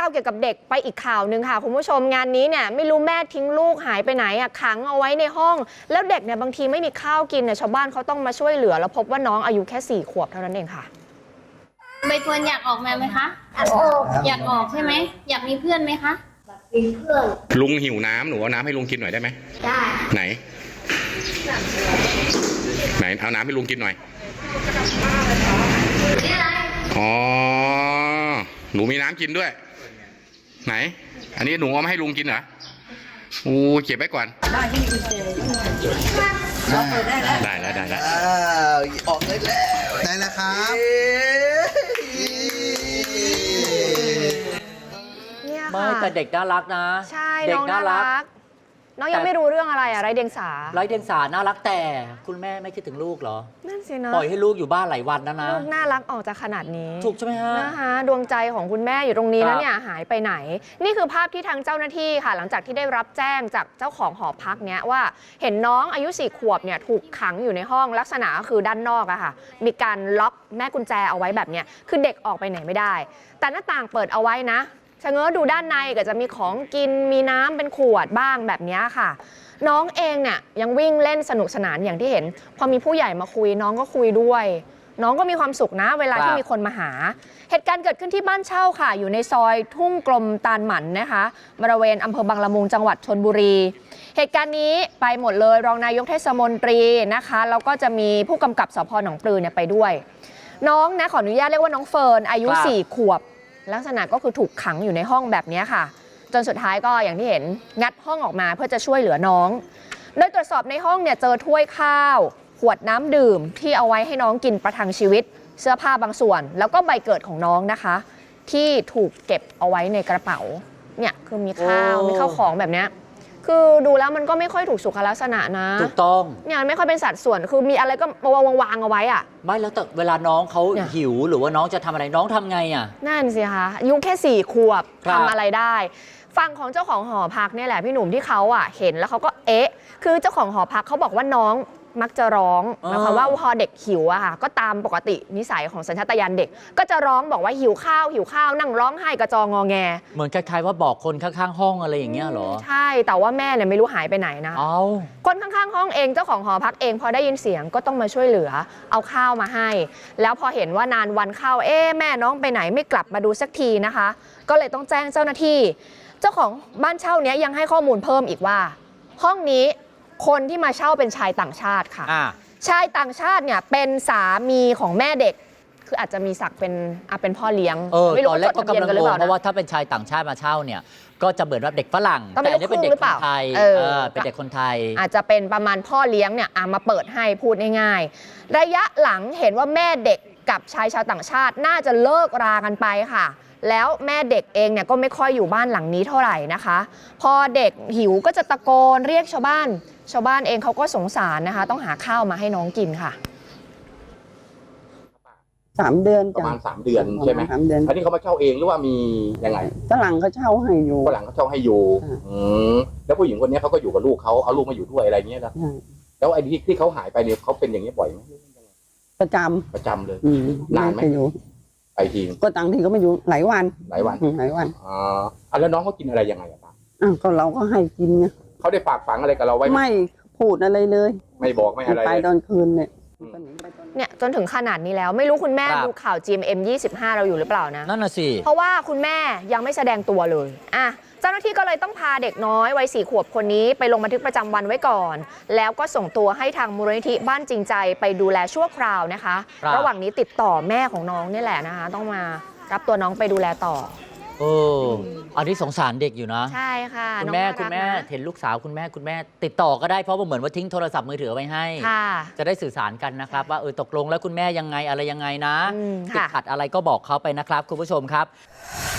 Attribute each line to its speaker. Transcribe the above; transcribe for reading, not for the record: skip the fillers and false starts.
Speaker 1: าวเกี่ยวกับเด็กไปอีกข่าวหนึ่งค่ะคุณผู้ชมงานนี้เนี่ยไม่รู้แม่ทิ้งลูกหายไปไหนอ่ะขังเอาไว้ในห้องแล้วเด็กเนี่ยบางทีไม่มีข้าวกินเนี่ยชาวบ้านเขาต้องมาช่วยเหลือแล้วพบว่าน้องอายุแค่4 ขวบเท่านั้นเองค่ะ
Speaker 2: ใบเฟิร์นอยากออกมาไหมคะอยากออกใช่ไหมอยากมีเพื่อนไหมคะ
Speaker 3: มีเพื่อน
Speaker 4: ลุงหิวน้ำหนูเอาน้ำให้ลุงกินหน่อยได้ไหม
Speaker 3: ได้
Speaker 4: ไหนเอาน้ำให้ลุงกินหน่อยอ๋อหนูมีน้ำกินด้วยไหนอันนี้หนูเอามาให้ลุงกินเหรออู้เก็บไว้ก่อนได้แล้ว
Speaker 5: ออกได้แล้วได้แล้วครับ
Speaker 1: เนี่ยค่ะ
Speaker 6: ไม่แต่เด็กน่ารักนะ
Speaker 1: ใช่น้องน่ารักน้องยังไม่รู้เรื่องอะไรอะไร้เดียงสา
Speaker 6: น่ารักแต่คุณแม่ไม่คิดถึงลูกเหรอ
Speaker 1: นั่นสินะ
Speaker 6: ปล่อยให้ลูกอยู่บ้านหลายวันนะ
Speaker 1: ลูกน่ารักออกจากขนาดนี้
Speaker 6: ถูกใช่ไหมฮะ
Speaker 1: นะคะดวงใจของคุณแม่อยู่ตรงนี้แล้วเนี่ยหายไปไหนนี่คือภาพที่ทางเจ้าหน้าที่ค่ะหลังจากที่ได้รับแจ้งจากเจ้าของหอพักเนี้ยว่าเห็นน้องอายุ4 ขวบเนี่ยถูกขังอยู่ในห้องลักษณะก็คือด้านนอกอะค่ะมีการล็อกแม่กุญแจเอาไว้แบบเนี้ยคือเด็กออกไปไหนไม่ได้แต่หน้าต่างเปิดเอาไว้นะชะเง้อดูด้านในก็จะมีของกินมีน้ำเป็นขวดบ้างแบบนี้ค่ะน้องเองเนี่ยยังวิ่งเล่นสนุกสนานอย่างที่เห็นพอมีผู้ใหญ่มาคุยน้องก็คุยด้วยน้องก็มีความสุขนะเวลาที่มีคนมาหาเหตุการณ์เกิดขึ้นที่บ้านเช่าค่ะอยู่ในซอยทุ่งกลมตาลหมันนะคะบริเวณอำเภอบางละมุงจังหวัดชลบุรีเหตุการณ์นี้ไปหมดเลยรองนายกเทศมนตรีนะคะแล้วก็จะมีผู้กำกับสพ.หนองปลือเนี่ยไปด้วยน้องนะขออนุญาตเรียกว่าน้องเฟิร์นอายุ4 ขวบลักษณะก็คือถูกขังอยู่ในห้องแบบนี้ค่ะจนสุดท้ายก็อย่างที่เห็นงัดห้องออกมาเพื่อจะช่วยเหลือน้องโดยตรวจสอบในห้องเนี่ยเจอถ้วยข้าวขวดน้ำดื่มที่เอาไว้ให้น้องกินประทังชีวิตเสื้อผ้าบางส่วนแล้วก็ใบเกิดของน้องนะคะที่ถูกเก็บเอาไว้ในกระเป๋าเนี่ยคือมีข้าวมีข้าวของแบบนี้คือดูแล้วมันก็ไม่ค่อยถูกสุขลักษณะนะ
Speaker 6: ถูกต้อง
Speaker 1: เนี่ยไม่ค่อยเป็นสัดส่วนคือมีอะไรก็วางเอาไว้อะ
Speaker 6: ไม่แล้วแต่เวลาน้องเขาหิวหรือว่าน้องจะทำอะไรน้องทำไงอ่ะ
Speaker 1: นั่นสิคะอายุแค่4 ขวบทำอะไรได้ฝั่งของเจ้าของหอพักเนี่ยแหละพี่หนุ่มที่เขาเห็นแล้วเขาก็คือเจ้าของหอพักเขาบอกว่าน้องมักจะร้องหมายความว่าพอเด็กหิวค่ะก็ตามปกตินิสัยของสัญชาตญาณเด็กก็จะร้องบอกว่าหิวข้าวนั่งร้องไห้กระจองงอแง
Speaker 6: เหมือนคล้ายๆว่าบอกคนข้างๆห้องอะไรอย่างเงี้ยหรอ
Speaker 1: ใช่แต่ว่าแม่เนี่ยไม่รู้หายไปไหนนะคนข้างๆห้องเองเจ้าของหอพักเองพอได้ยินเสียงก็ต้องมาช่วยเหลือเอาข้าวมาให้แล้วพอเห็นว่านานวันเข้าแม่น้องไปไหนไม่กลับมาดูสักทีนะคะก็เลยต้องแจ้งเจ้าหน้าที่เจ้าของบ้านเช่านี้ยังให้ข้อมูลเพิ่มอีกว่าห้องนี้คนที่มาเช่าเป็นชายต่างชาติค่ะชายต่างชาติเนี่ยเป็นสามีของแม่เด็กคืออาจจะมีศักดิ์เป็นพ่อเลี้ยง
Speaker 6: ไม่รู้ตอนแรกก็กำลังงงเพราะว่าถ้าเป็นชายต่างชาติมาเช่าเนี่ยก็จะเหมือนว่าเด็กฝรั่งแต่นี่เป็นเด็กคนไทยเป็นเด็กคนไทย
Speaker 1: อาจจะเป็นประมาณพ่อเลี้ยงเนี่ยมาเปิดให้พูดง่ายๆระยะหลังเห็นว่าแม่เด็กกับชายชาวต่างชาติน่าจะเลิกรากันไปค่ะแล้วแม่เด็กเองเนี่ยก็ไม่ค่อยอยู่บ้านหลังนี้เท่าไหร่นะคะพอเด็กหิวก็จะตะโกนเรียกชาวบ้านเองเขาก็สงสารนะคะต้องหาข้าวมาให้น้องกินค่ะ
Speaker 5: 3 เดือน
Speaker 4: ประมาณ3 เดือนใช่ไหม3 เดือนอันนี้เขามาเช่าเองหรือว่ามียังไง
Speaker 5: ฝรั่งเขาเช่าให้อยู่
Speaker 4: แล้วผู้หญิงคนนี้เขาก็อยู่กับลูกเขาเอาลูกมาอยู่ด้วยอะไรเงี้ยแล้วไอ้ที่เขาหายไปเนี่ยเขาเป็นอย่างนี้บ่อยไหม
Speaker 5: ประจ
Speaker 4: ำเลยนานไหมไปที
Speaker 5: ก็ต่างทีก็ไม่อยู่หลายวัน
Speaker 4: แล้วน้องเขากินอะไรยังไงป้า
Speaker 5: ก็เราก็ให้กินไง
Speaker 4: เขาได้ฝากฝังอะไรกับเราไว้
Speaker 5: ไม่พูดอะไรเลย
Speaker 4: ไม่บอกไม่อะไร
Speaker 5: ไปตอนคืน
Speaker 1: เนี่ยจนถึงขนาดนี้แล้วไม่รู้คุณแม่ดูข่าว GMM 25เราอยู่หรือเปล่านะ
Speaker 6: นั่นน่ะสิ
Speaker 1: เพราะว่าคุณแม่ยังไม่แสดงตัวเลยเจ้าหน้าที่ก็เลยต้องพาเด็กน้อยวัย4 ขวบคนนี้ไปลงบันทึกประจำวันไว้ก่อนแล้วก็ส่งตัวให้ทางมูลนิธิบ้านจริงใจไปดูแลชั่วคราวนะคะระหว่างนี้ติดต่อแม่ของน้องนี่แหละนะคะต้องมารับตัวน้องไปดูแลต่อ
Speaker 6: อันนี้สงสารเด็กอยู่นะ
Speaker 1: ใช่ค่ะ
Speaker 6: คุณแม่เห็นลูกสาวคุณแม่ติดต่อก็ได้เพราะว่าเหมือนว่าทิ้งโทรศัพท์มือถือไว้ให้จะได้สื่อสารกันนะครับว่าตกลงแล้วคุณแม่ยังไงอะไรยังไงนะติดขัดอะไรก็บอกเขาไปนะครับคุณผู้ชมครับ